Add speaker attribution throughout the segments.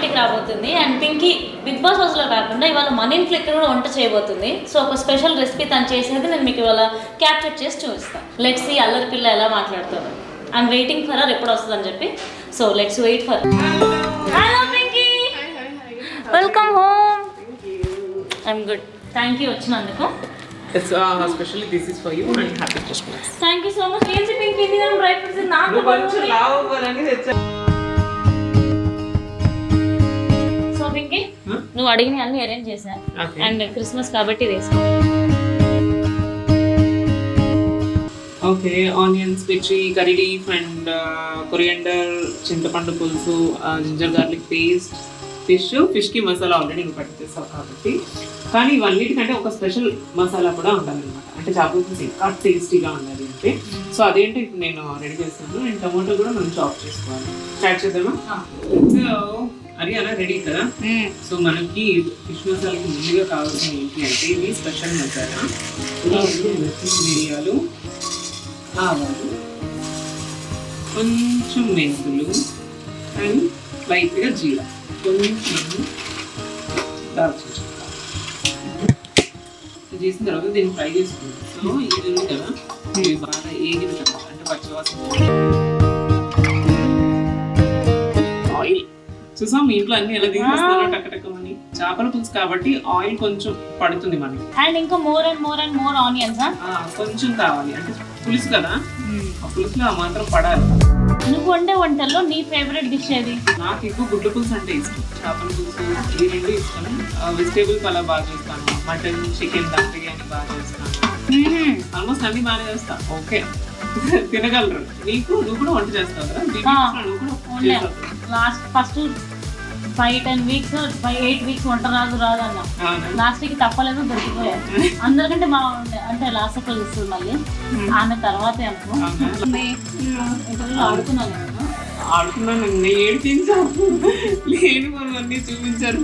Speaker 1: ఇంటికి రాబోతుంది and Pinky big boss హౌస్లో కాకుండా ఇవాళ మన ఇంట్లో ఇక్కడ కూడా వంట చేయబోతుంది. సో ఒక స్పెషల్ రెసిపీ తను చేసేది నేను మీకు ఇవాళ క్యాప్చర్ చేసి చూపిస్తాను. లెట్స్ సీ అల్లరి పిల్ల ఎలా మాట్లాడుతారు. ఐఎమ్ వెయిటింగ్ ఫర్ హర్ ఎప్పుడు వస్తుందని చెప్పి. So let's wait for. Hello Pinky, welcome home. I'm good, thank you వచ్చినందుకు.
Speaker 2: Especially this is for you and happy Christmas.
Speaker 1: Thank you so much. ఏంటి పింకీ నేను డ్రై ఫ్రూట్స్ నాకు
Speaker 2: కొంచెం లావ్ అవ్వాలని తెచ్చా.
Speaker 1: సో పింకీ నువ్వు అడిగిన అన్ని అరేంజ్ చేశా అండ్ క్రిస్మస్ కాబట్టి వేసా.
Speaker 2: ఓకే, ఆనియన్స్, మిర్చి, కర్రీ లీఫ్ అండ్ కొరియండర్, చింతపండు పులుసు, జింజర్ గార్లిక్ పేస్ట్, ఫిష్కి మసాలా ఆల్రెడీ ఇంకా పట్టిస్తావు కాబట్టి. కానీ ఇవన్నిటికంటే ఒక స్పెషల్ మసాలా కూడా ఉండాలన్నమాట. అంటే చేపల పులుసు ఇంకా టేస్టీగా ఉండాలి అంటే. సో అదేంటి ఇప్పుడు నేను రెడీ చేస్తాను. అండ్ టమాటో కూడా మనం చాప్ చేసుకోవాలి. స్టార్ట్ చేద్దామా? సో అది అలా రెడీ కదా. సో మనకి ఫిష్ మసాలాకి ముందుగా కావాల్సిన ఏంటి అంటే ఇది స్పెషల్ మసాలా. మిరియాలు, ఆవాలు, కొంచెం మెంతులు అండ్ లైట్గా జీరా, కొంచెం దాల్చిన చెక్క చేసిన తర్వాత దీన్ని ఫ్రై చేసుకుంటాం. సో ఇది ఉంది కదా, ఇది బాగా ఏగిన తర్వాత అంటే పచ్చివాసన. ఆయిల్ చూసాం మీ ఇంట్లో అన్ని ఎలా తీసుకొస్తారో టక్కటక్కమని. చేపల పులుసు కాబట్టి ఆయిల్ కొంచెం పడుతుంది మనకి.
Speaker 1: అండ్ ఇంకా more and more and more onions
Speaker 2: కొంచెం కావాలి, అంటే పులుసు కదా, ఆ పులుసులో ఆ మాత్రం పడాలి.
Speaker 1: నువ్వు వండే వంటల్లో నీ ఫేవరెట్ డిష్ ఏది?
Speaker 2: నాకు ఎక్కువ గుడ్ల పులుసు అంటే ఇష్టం, చేపల పులుసు ఈ రెండు ఇష్టం. వెజిటేబుల్ పలావ్ బాగా చేస్తాను, మటన్, చికెన్, దమ్ బిర్యానీ బాగా చేస్తాను. ఆల్మోస్ట్ అన్ని బాగా చేస్తా. ఓకే తినగలరు. నువ్వు కూడా వంట చేస్తావు కదా?
Speaker 1: లాస్ట్ ఫస్ట్ 5-10 వీక్స్ 8 వీక్స్ వంట రాదు అన్న. లాస్ట్ కి తప్పలేదు, దొరికిపోయా. అందరికంటే బాగుండే అంటే లాస్ట్ లో ఇస్తుంది మళ్ళీ ఆమె తర్వాత
Speaker 2: ఆడుకున్నాను. ఏడిపించారు, లేని అన్ని చూపించారు.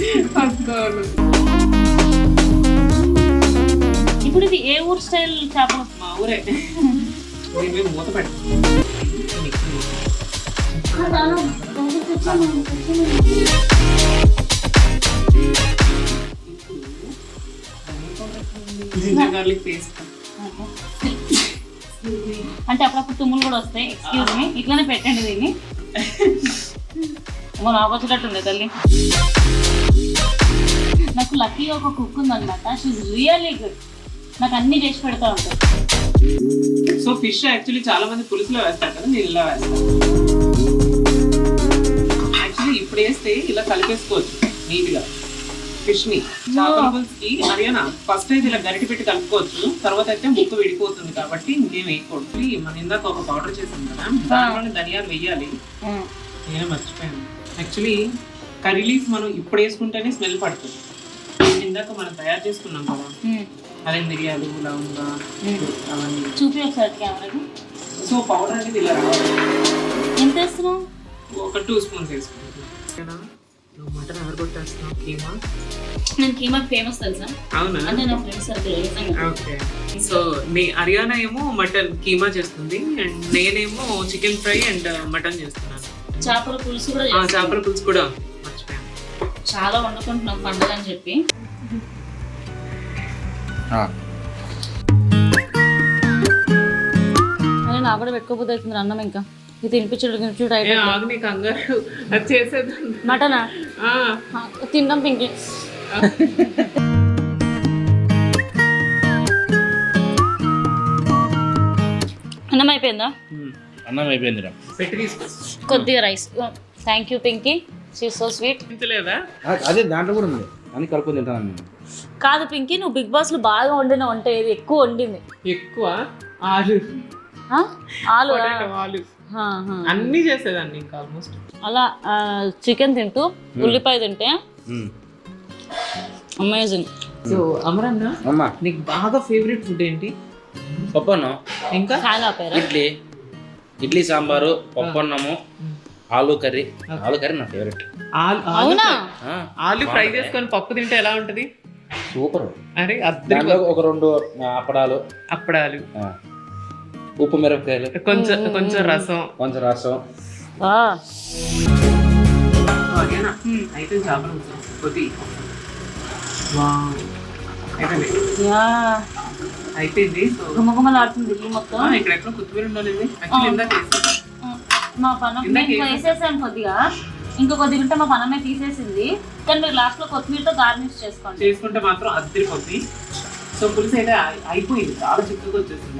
Speaker 1: ఇప్పుడు ఇది ఏ ఊరు స్టైల్ చేపలు?
Speaker 2: మా ఊరే. మేము మూత పెట్టాం. Ginger garlic paste.
Speaker 1: అంటే అప్పుడప్పుడు తుమ్ములు కూడా వస్తాయి. ఎక్స్క్యూజ్ మీ, ఇట్లానే పెట్టండి దీన్ని. నాకు వచ్చేటట్టుంది తల్లి. నాకు లక్కీగా ఒక కుక్ ఉందన్నమాట. She really good. నాకు అన్ని చేసి పెడతా ఉంటాయి.
Speaker 2: సో ఫిష్ యాక్చువల్లీ చాలా మంది పులుసులో వేస్తారు కదా, నేను ఇలా వేస్తాను. యాక్చువల్లీ ఇప్పుడు వేస్తే ఇలా కలిపేసుకోవచ్చు నీట్గా ఫిష్ని. చేపల పులుసుకి హర్యానా ఫస్ట్ అయితే ఇలా గరిటె పెట్టి కలుపుకోవచ్చు, తర్వాత అయితే ముక్క విడిపోతుంది కాబట్టి ఇంకేం వేయకూడదు. మనం ఇందాక ఒక పౌడర్ చేసాం కదా, దాంట్లోనే ధనియాలు వేయాలి. నేను మర్చిపోయాను. యాక్చువల్లీ కర్రీ లీఫ్ మనం ఇప్పుడు వేసుకుంటేనే స్మెల్ పడుతుంది. ఇందాక మనం తయారు చేసుకున్నాం కదా, అదే మిరియాలు, లవంగా అవన్నీ
Speaker 1: చూపి ఒకసారి కెమెరాకి.
Speaker 2: సో పౌడర్ అనేది ఇలా రావాలి.
Speaker 1: ఎంత వేస్తున్నావు?
Speaker 2: ఒక 2 స్పూన్స్ వేసుకుంటాను. మటన్ ఎవరు కొట్టేస్తున్నావు? కీమా.
Speaker 1: నేను కీమా ఫేమస్ తెలుసా?
Speaker 2: అవునా?
Speaker 1: అంటే నా friends circle.
Speaker 2: Okay. So Haryana ఏమో మటన్ కీమా చేస్తుంది అండ్ నేనేమో చికెన్ ఫ్రై అండ్ మటన్ చేస్తున్నాను.
Speaker 1: చేపల పులుసు కూడా.
Speaker 2: చేపల పులుసు కూడా మర్చిపోయాను.
Speaker 1: చాలా వండుకుంటున్నాం పండుగ అని చెప్పి. అదే నాకు కూడా పెట్టుకోపోతే అవుతుంది అన్నం. ఇంకా ఇది తినిపించడం
Speaker 2: కంగారు చేసేది
Speaker 1: మటనా తిందాం పింకి. అన్నం అయిపోయిందా?
Speaker 3: అన్నం అయిపోయింది.
Speaker 1: కొద్దిగా rice. Thank you Pinky, she so sweet.
Speaker 2: లేదా
Speaker 3: అదే దాంట్లో కూడా ఉంది, అని కలుపుకొని తింటాను నేను.
Speaker 1: కాదు పింకీ, నువ్వు బిగ్ బాస్ లో బాగా వండిన వంట ఏది? ఎక్కువ వండింది?
Speaker 2: ఎక్కువ ఆలు.
Speaker 1: ఆలు
Speaker 2: అన్ని చేసేదాన్ని ఇంకా ఆల్మోస్ట్.
Speaker 1: అలా చికెన్ తింటూ ఉల్లిపాయ తింటే అమేజింగ్.
Speaker 2: సో అమరన్న, నీకు బాగా ఫేవరెట్ ఫుడ్ ఏంటి?
Speaker 3: పప్పన్నం,
Speaker 1: ఇంకా
Speaker 3: ఇడ్లీ సాంబారు, పప్పన్నము, ఆలు కర్రీ. ఆలు కర్రీ నా ఫేవరెట్.
Speaker 2: ఆలు ఫ్రై చేసుకొని పప్పు తింటే ఎలా ఉంటది?
Speaker 3: సూపర్.
Speaker 2: అరే
Speaker 3: ఒక 2 అప్పడాలు, ఉప్పు మిరపకాయలు, కొంచెం రసం.
Speaker 2: అయిపోయింది చేపల పులుసు కొద్ది వావ్ అయిపోయింది
Speaker 1: యా
Speaker 2: అయిపోయింది సో
Speaker 1: గుమగుమలాడుతుంది ఇల్లు మొత్తం.
Speaker 2: ఇక్కడ ఎక్కడ కొత్తిమీర ఉండాలి యాక్చువల్లీ ఇందాక వేసాను.
Speaker 1: మా పనం నేను వేసేసాను కొద్దిగా, ఇంకో కొద్దిగా ఉంటే మా పనమే తీసేసింది. కానీ మీరు లాస్ట్ లో కొత్తిమీరతో గార్నిష్ చేసుకోండి.
Speaker 2: చేసుకుంటే మాత్రం అద్దరిపోద్ది. సో పులుసు అయితే అయిపోయింది, చాలా చిక్కగా వచ్చేసింది.